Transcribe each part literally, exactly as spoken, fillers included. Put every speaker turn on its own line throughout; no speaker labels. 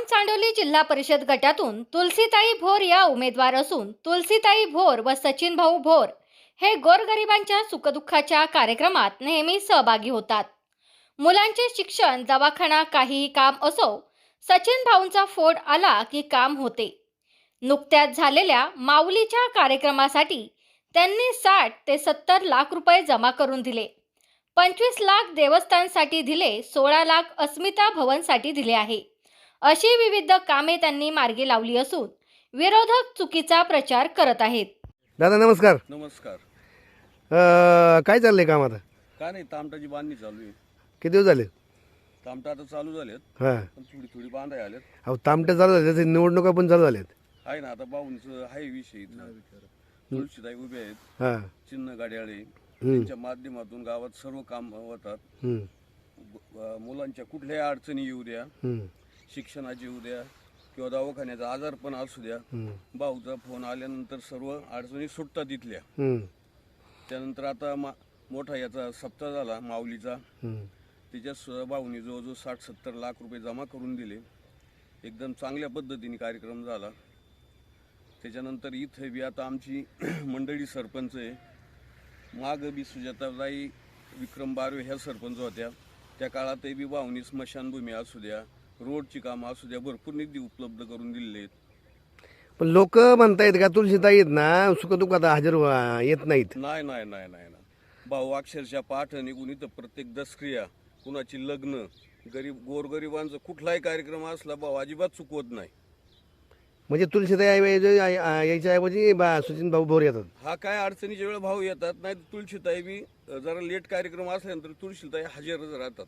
चांडोली जिल्हा परिषद गटातून तुलसीताई भोर या उमेदवार असून तुलसीताई भोर व सचिन भाऊ भोर हे गोरगरिबांच्या सुखदुःखाच्या कार्यक्रमात नेहमी सहभागी होतात. मुलांचे शिक्षण, दवाखाना, काहीही काम असो, सचिन भाऊंचा फोन आला की काम होते. नुकत्याच झालेल्या माऊलीच्या कार्यक्रमासाठी त्यांनी साठ ते सत्तर लाख रुपये जमा करून दिले. पंचवीस लाख देवस्थानसाठी दिले, सोळा लाख अस्मिता भवनसाठी दिले आहे. अशी विविध कामे त्यांनी मार्गी लावली असून विरोधक चुकीचा प्रचार करत आहेत.
दादा नमस्कार.
नमस्कार.
अ, काय चाललंय काम आता?
काय नाही, तामटाची बांधणी चालू आहे.
किती दिवस झाले?
तामटा आता चालू झालेत,
हां.
पण थोडी थोडी बांधाय आलेत.
अहो तामटे चालू झाले, त्याचे निवडणुका पण चालू झाल्यात.
आहे ना, आता बाहूंचं आहे विषय इथला. तुळशीताई उभे आहेत,
हां.
चिन्ह गाड्याळे, त्यांच्या माध्यमातून गावात सर्व काम होतात.
हं.
अ, मुलांच्या कुठल्याही अडचणी येऊ द्या,
हं.
शिक्षणाची येऊ द्या किंवा दवाखान्याचा आजार पण असू द्या,
हं.
भाऊचा फोन आल्यानंतर सर्व अडचणी सुटतात इथल्या.
हं.
त्यानंतर आता मा मोठा याचा सप्ताह झाला माऊलीचा,
हं.
त्याच्या भाऊनी जवळजवळ साठ सत्तर लाख रुपये जमा करून दिले. एकदम चांगल्या पद्धतीने कार्यक्रम झाला. त्याच्यानंतर इथे बी आता आमची मंडळी सरपंच आहे. माग बी सुजाताबाई विक्रम बारवे ह्या सरपंच होत्या. त्या काळातही बी भाऊनी स्मशानभूमी असू द्या, रोडची कामं असू द्या, भरपूर निधी उपलब्ध करून दिलेले आहेत.
पण लोक म्हणतायत का तुलसीताई आहेत ना सुखदुःखात हजर व्हा- येत नाहीत?
नाही नाही नाही नाही ना, भाऊ अक्षरशः पाठ निघून इथं प्रत्येक दसक्रिया, कुणाची लग्न, गरीब गोरगरिबांचा कुठलाही कार्यक्रम असला भाऊ अजिबात चुकवत नाही.
म्हणजे तुलसीताई ऐवजी यायच्या ऐवजी बा सचिन भाऊ भोर येतात.
हा काय अडचणीच्या वेळेला भाऊ येतात, नाही तुळशीताई बी जरा लेट कार्यक्रम असल्यानंतर तुळशीताई हजरच राहतात.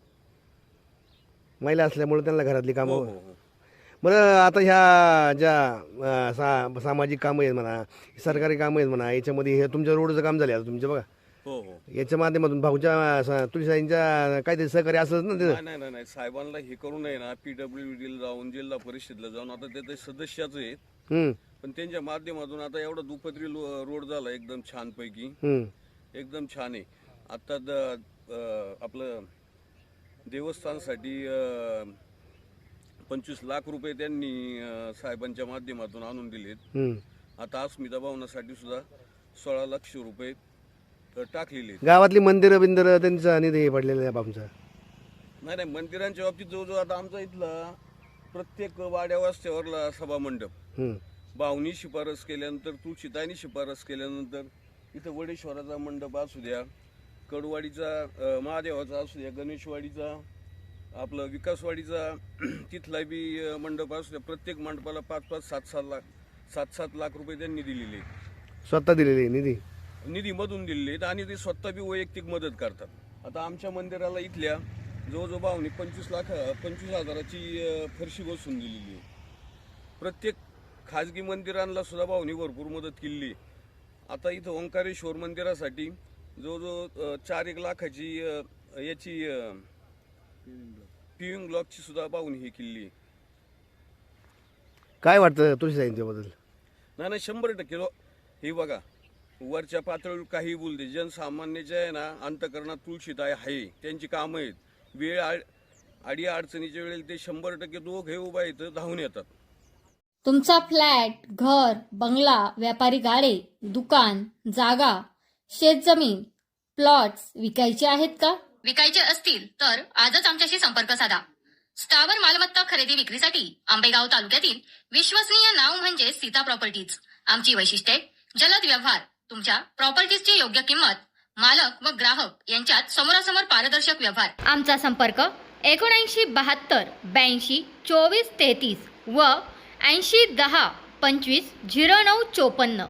महिला असल्यामुळे त्यांना घरातली
हो
कामं.
हो हो.
बरं आता ह्या ज्या अ, सा सामाजिक कामं आहेत म्हणा, सरकारी कामं आहेत म्हणा, याच्यामध्ये हे तुमच्या रोडचं काम झाले आता तुमचं बघा,
हो हो.
याच्या माध्यमातून भाऊच्या स- तुळशीताईंच्या काहीतरी सहकार्य असंच ना ते.
नाही नाही नाही नाही, साहेबांना हे करू नये ना, पीडब्ल्यू डीला जाऊन जिल्हा परिषदला जाऊन आता ते ते सदस्याच आहेत,
हं.
पण त्यांच्या माध्यमातून आता एवढा दुपत्री लो- रोड झाला एकदम छान पैकी,
हं.
एकदम छान आहे. आता द- अं, आपलं देवस्थानसाठी अं, पंचवीस लाख रुपये त्यांनी अं, साहेबांच्या माध्यमातून आणून दिलेत.
हं.
आता अस्मिता भवनासाठी सुद्धा सोळा लाख रुपये अं, टाकलेले आहेत.
गावातली मंदिरं बिंदिरं त्यांचा निधी पडलेला आहे बाबूंचा.
नाही नाही, मंदिरांच्या बाबतीत जवळजवळ आता आमचा इथला प्रत्येक वाड्या वस्त्यावरला सभा मंडप
हं.
भाऊनी शिफारस केल्यानंतर, तुळशीताईंनी शिफारस केल्यानंतर इथं वडेश्वराचा मंडप असू द्या, कडवाडीचा अं, महादेवाचा असू द्या, गणेशवाडीचा, आपलं विकासवाडीचा तिथला बी अं, मंडप असू द्या, प्रत्येक मंडपाला पाच पाच सात सात लाख सात सात लाख रुपये त्यांनी दिलेले आहेत.
स्वतः दिलेली निधी.
निधीमधून दिलेले आहेत आणि ते स्वतः बी वैयक्तिक मदत करतात. आता आमच्या मंदिराला इथल्या जवळजवळ भाऊनी पंचवीस लाख पंचवीस हजाराची अं, फरशी बसवून दिलेली आहे. प्रत्येक खाजगी मंदिरांना सुद्धा भाऊनी भरपूर मदत केली. आता इथं ओंकारेश्वर मंदिरासाठी जवळजवळ अं, चार एक लाखाची अं, याची पिविंग ब्लॉकची सुद्धा भाऊनी ही केली.
काय वाटतं तुळशीताईंच्याबद्दल?
नाही नाही, शंभर टक्के लो- हे बघा, वरच्या पातळीवर काही बोलते, जनसामान्याच्या आहे ना अंतकरणात तुळशीताई आहे, त्यांची कामं आहेत. वेळ आड आडी अडचणीच्या वेळेला ते शंभर टक्के दोघे उभा इथं धावून येतात.
तुमचा फ्लॅट, घर, बंगला, व्यापारी गाडे, दुकान, जागा, शेतजमीन, प्लॉट्स विकायचे आहेत का? विकायचे असतील तर आजच आमच्याशी संपर्क साधा. स्थावर मालमत्ता खरेदी विक्रीसाठी आंबेगाव तालुक्यातील विश्वसनीय नाव म्हणजे सीता प्रॉपर्टीज. आमची वैशिष्ट्ये: जलद व्यवहार, तुमच्या प्रॉपर्टीजची योग्य किंमत, मालक व ग्राहक यांच्यात समोरासमोर पारदर्शक व्यवहार. आमचा संपर्क एकोणऐंशी बहात्तर ब्याऐंशी चोवीस तेहतीस व ऐंशी दहा पंचवीस झिरो नऊ चोपन्न.